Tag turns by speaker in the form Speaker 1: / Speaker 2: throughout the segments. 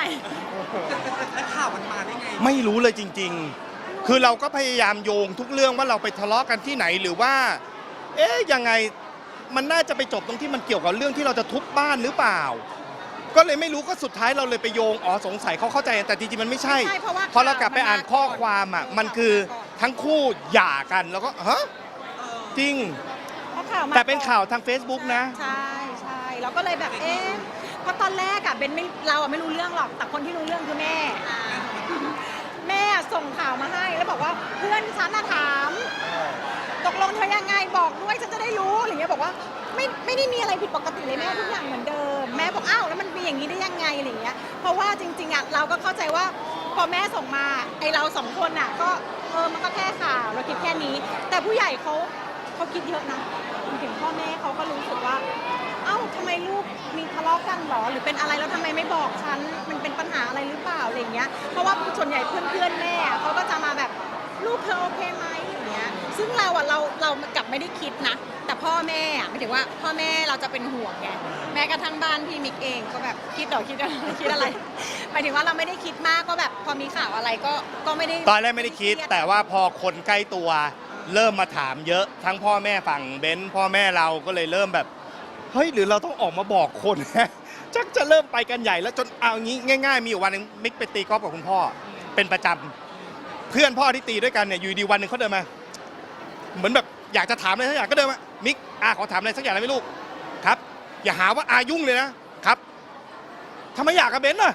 Speaker 1: และข่าวมันมาได้ไง
Speaker 2: ไม่รู้เลยจริงๆคือเราก็พยายามโยงทุกเรื่องว่าเราไปทะเลาะกันที่ไหนหรือว่ายังไงมันน่าจะไปจบตรงที่มันเกี่ยวกับเรื่องที่เราจะทุบบ้านหรือเปล่าก็เลยไม่รู้ก็สุดท้ายเราเลยไปโยงสงสัยเขาเข้าใจแต่จริงๆมันไม่ใช่พอเรากลับไปอ่านข้อความอ่ะมันคือทั้งคู่หย่ากันแล้วก็ฮะจริงแต่เป็นข่าวทาง Facebook นะ
Speaker 3: ใช่ใช่เราก็เลยแบบเพราะตอนแรกอะเบนเราไม่รู้เรื่องหรอกแต่คนที่รู้เรื่องคือแม่แม่ส่งข่าวมาให้แล้วบอกว่าเพื่อนฉันถามตกลงเธอยังไงบอกด้วยฉันจะได้รู้อะไรเงี้ยบอกว่าไม่ได้มีอะไรผิดปกติเลยแม่ทุกอย่างเหมือนเดิมแม่บอกอ้าวแล้วมันเป็นอย่างนี้ได้ยังไงอะไรเงี้ยเพราะว่าจริงๆอะเราก็เข้าใจว่าพอแม่ส่งมาไอเราสองคนอะก็มันก็แค่ข่าวเราคิดแค่นี้แต่ผู้ใหญ่เขาคิดเยอะนะถึงพ่อแม่เขาก็รู้สึกว่าเอ้าทำไมลูกมีทะเลาะกันหรอหรือเป็นอะไรแล้วทำไมไม่บอกฉันมันเป็นปัญหาอะไรหรือเปล่าอะไรเงี้ยเพราะว่าส่วนใหญ่เพื่อนแม่เขาก็จะมาแบบลูกเธอโอเคไหมอย่างเงี้ยซึ่งเรากลับไม่ได้คิดนะแต่พ่อแม่หมายถึงว่าพ่อแม่เราจะเป็นห่วงไงแม้กระทั่งบ้านพี่มิกเองก็แบบคิดอะไรหมายถึงว่าเราไม่ได้คิดมากก็แบบพอมีข่าวอะไรก็ไม่ได้
Speaker 2: ตอนแรกไม่ได้คิดแต่ว่าพอคนใกล้ตัวเริ่มมาถามเยอะทั้งพ่อแม่ฝั่งเบนซ์พ่อแม่เราก็เลยเริ่มแบบเฮ้ยหรือเราต้องออกมาบอกคนชักจะเริ่มไปกันใหญ่แล้วจนเอางี้ง่ายๆมีอยู่วันนึงมิกไปตีกอล์ฟกับคุณพ่อเป็นประจำเพื่อนพ่อที่ตีด้วยกันเนี่ยอยู่ดีวันหนึ่งเขาเดินมาเหมือนแบบอยากจะถามอะไรสักอย่างก็เดินมามิกขอถามอะไรสักอย่างได้ไหมลูกครับอย่าหาว่ายุ่งเลยนะครับทำไมอยากกับเบนซ์น่ะ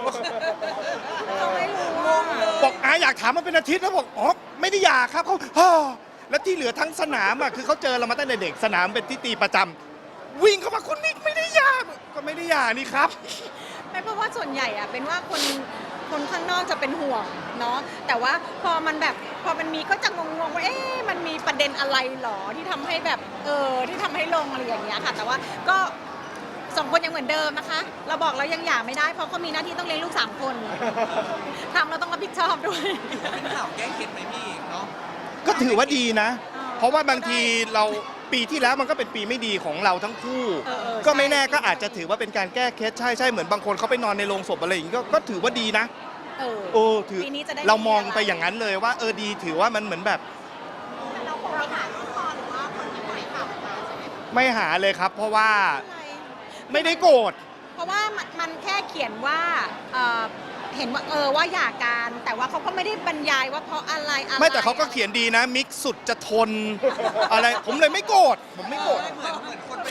Speaker 2: บอกอยากถามมาเป็นอาทิตย์แล้วบอกไม่ได้อยากครับเขาแล้วที่เหลือทั้งสนามคือเขาเจอเรามาตั้งแต่เด็กสนามเป็นที่ตีประจำวิ่งเข้ามาคุณมิกไม่ได้อยากก็ไม่ได้อยากนี่ครับ
Speaker 3: ไม่เพราะว่าส่วนใหญ่เป็นว่าคนข้างนอกจะเป็นห่วงเนาะแต่ว่าพอมันมีก็จะงงว่ามันมีประเด็นอะไรหรอที่ทำให้แบบที่ทำให้ลงอะไรอย่างเงี้ยค่ะแต่ว่าก็สองคนยังเหมือนเดิมนะคะเราบอกเรายังหย่าไม่ได้เพราะเขามีหน้าที่ต้องเลี้ยงลูก3 คนทำเราต้องรับผิดชอบด้วย
Speaker 1: เป็นข่าวแก้เคล็ดไหมพี่เนาะ
Speaker 2: ก็ถือว่าดีนะเพราะว่าบางทีเราปีที่แล้วมันก็เป็นปีไม่ดีของเราทั้งคู่ก็ไม่แน่ก็อาจจะถือว่าเป็นการแก้เคล็ดใช่เหมือนบางคนเขาไปนอนในโรงศพอะไรอย่างงี้ก็ถือว่าดีนะถือเรามองไปอย่างนั้นเลยว่าดีถือว่ามันเหมือนแบบ
Speaker 3: เราคงไม่หาลูกคอหรือว่าคนที่ปล่อยข่าวมาใช่ไหม
Speaker 2: ไม่หาเลยครับเพราะว่าไม่ได้โกรธ
Speaker 3: เพราะว่ามันแค่เขียนว่าเห็นว่าว่าหย่ากันแต่ว่าเขาก็ไม่ได้บรรยายว่าเพราะอะไร
Speaker 2: ไม่แต่เขาก็เขียนดีนะมิกสุดจะทนอะไรผมเลยไม่โกรธผมไม่โกรธ
Speaker 1: เหมือนคนไป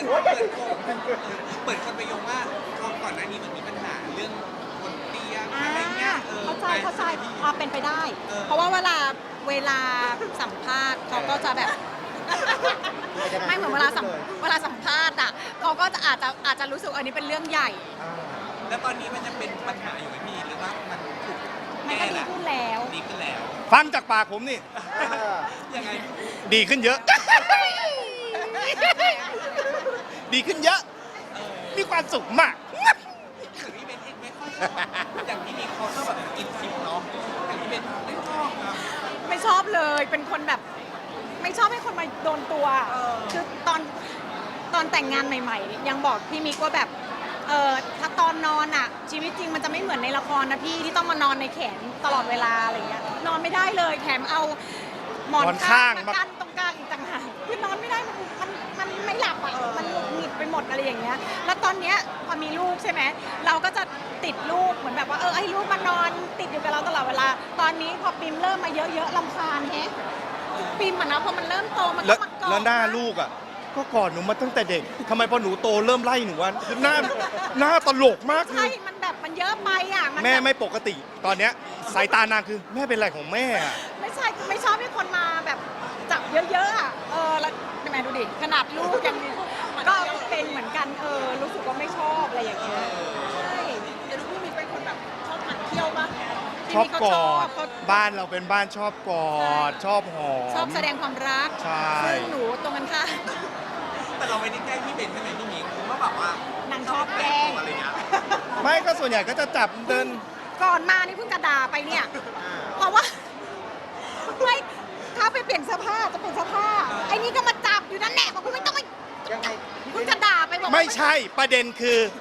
Speaker 1: เปิดคนไปโยงว่าก่อนหน้านี้มันมีปัญหาเรื่องคนเตียงอะไรเงี้ย
Speaker 3: เข้าใจเป็นไปได้เพราะว่าเวลาสัมภาษณ์เขาก็จะแบบไม่เหมือนเวลาสัมภาษณ์เขาก็จะอาจจะรู้สึกอันนี้เป็นเรื่องใหญ่
Speaker 1: แล้วตอนนี้มันจะเป็นปัญหาอยู่ไหมพี่หรือว่ามันถูก
Speaker 3: แก้แล้วดีขึ้นแล้ว
Speaker 2: ฟังจากปากผมนี่
Speaker 1: ยังไง
Speaker 2: ดีขึ้นเยอะดีขึ้นเยอะมีความสุขมาก
Speaker 1: ถึงพี่เบนเองไม่ค่อยอย่างที่มีเขาชอบแบบกินซิมเนาะอย่างที่เบนไม่ชอบนะ
Speaker 3: ไม่ชอบเลยเป็นคนแบบไม่ชอบให้คนมาโดนตัวคือตอนแต่งงานใหม่ๆยังบอกพี่มิกว่าแบบถ้าตอนนอนชีวิตจริงมันจะไม่เหมือนในละครนะพี่ที่ต้องมานอนในแขนตลอดเวลาอะไรเงี้ยนอนไม่ได้เลยแถมเอาหมอนข้างมากั้นตรงกลางอีกต่างหากคือนอนไม่ได้มันไม่หลับมันหงิดไปหมดอะไรอย่างเงี้ยแล้วตอนเนี้ยพอมีลูกใช่ไหมเราก็จะติดลูกเหมือนแบบว่าให้ลูกมานอนติดอยู่กับเราตลอดเวลาตอนนี้พอปิมเริ่มมาเยอะๆรำคาญปิมนะพอมันเริ่มโตมันก็มากอด
Speaker 2: แล้วหน้าลูกก็กอดหนูมาตั้งแต่เด็กทำไมพอหนูโตเริ่มไล่หนูวะหน้าตลกมาก
Speaker 3: ใช่มันแบบมันเยอะไป
Speaker 2: แม่ไม่ปกติตอนเนี้ยสายตานางคือแม่เป็นอะไรของแม่
Speaker 3: ไม่ใช่ไม่ชอบให้คนมาแบบจับเยอะๆแล้วแม่ดูดิขนาดลูกยังก็เป็นเหมือนกันรู้สึกว่าไม่ชอบอะไรอย่างเงี้ยใช่แต่ลูกพี่มีเป็นคนแบบชอบหมั่นเที่ยวปะ
Speaker 2: ชอบกอดบ้านเราเป็นบ้านชอบกอดชอบหอม
Speaker 3: ชอบแสดงความรักซึ่งหนูตรงกันค่ะ
Speaker 1: แต่เราไม่ได้แกล้งพี่เบนใช่ไหมพี่มิกเพราะแบบว่าน
Speaker 3: างชอบแกล้ง
Speaker 1: อะไรเงี้ย
Speaker 2: ไม่ก็ส่วนใหญ่ก็จะจับเดิน
Speaker 3: ก่อนมานี่เพิ่งกระดาไปเนี่ยเพราะว่าไม่ถ้าไปเปลี่ยนเสื้อผ้าจะเปลี่ยนเสื้อผ้าไอ้นี่ก็มาจับอยู่นั่นแหละบอกคุณไม่ต้องไปยังไงเพิ่งกระดาไปบอก
Speaker 2: ไม่ใช่ประเด็นคือ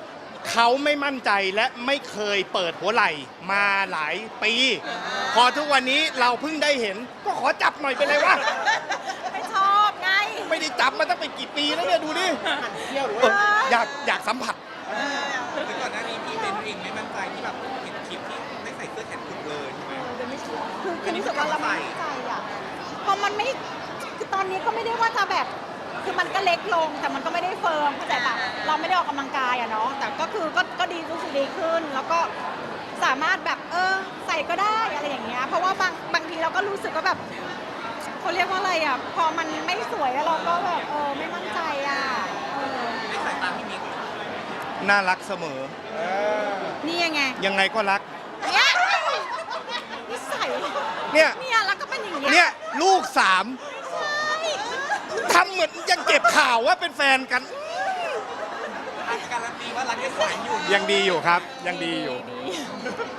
Speaker 2: เขาไม่มั่นใจและไม่เคยเปิดหัวไหล่มาหลายปี พอทุกวันนี้เราเพิ่งได้เห็น ก็ขอจับหน่อยเป็นไรวะ
Speaker 3: ไม่ชอบไง
Speaker 2: ไม่ได้จับมาตั้งเป็นกี่ปีแล้วเนี่ยดูดิอยากสัมผัส
Speaker 1: คือก่อนหน้านี้พี่เบนเองไม่มั่นใจที่แบบเห็นคลิปที่ไม่ใส่เสื้อแขนกุดเลยใช่ไหม
Speaker 3: เดี๋ยวไม่ชอบคือรู้สึกว่าเราไม่มั่นใจอ่ะพอมันไม่คือตอนนี้ก็ไม่ได้ว่าจะแบบ คือมันก็เล็กลงแต่มันก็ไม่ได้เฟิร์มเข้าใจปะเราไม่ได้ออกกำลังกายอะเนาะแต่ก็คือก็ดีรู้สึกดีขึ้น แล้วก็สามารถแบบใส่ก็ได้อะไรอย่างเงี้ยเพราะว่าบางทีเราก็รู้สึกว่าแบบเขาเรียกว่าอะไรอะพอมันไม่สวยแล้วเราก็แบบไม่มั่นใจอะ
Speaker 1: ในสายตาพี่มิก
Speaker 2: น่ารักเสมอ
Speaker 3: นี่ยังไง
Speaker 2: ยังไงก็รัก
Speaker 3: เนี่ยนิสัย
Speaker 2: เนี่ย
Speaker 3: เนี่ยแล้วก็เป็นอย่างเงี้ย
Speaker 2: เนี่ยลูก3
Speaker 3: ใช่
Speaker 2: ทำเหมือนยังเก็บข่าวว่าเป็นแฟนกัน
Speaker 1: การันตีว่ารักยังสวยอยู่
Speaker 2: ยังดีอยู่ครับ ยังดีอยู่
Speaker 3: ดี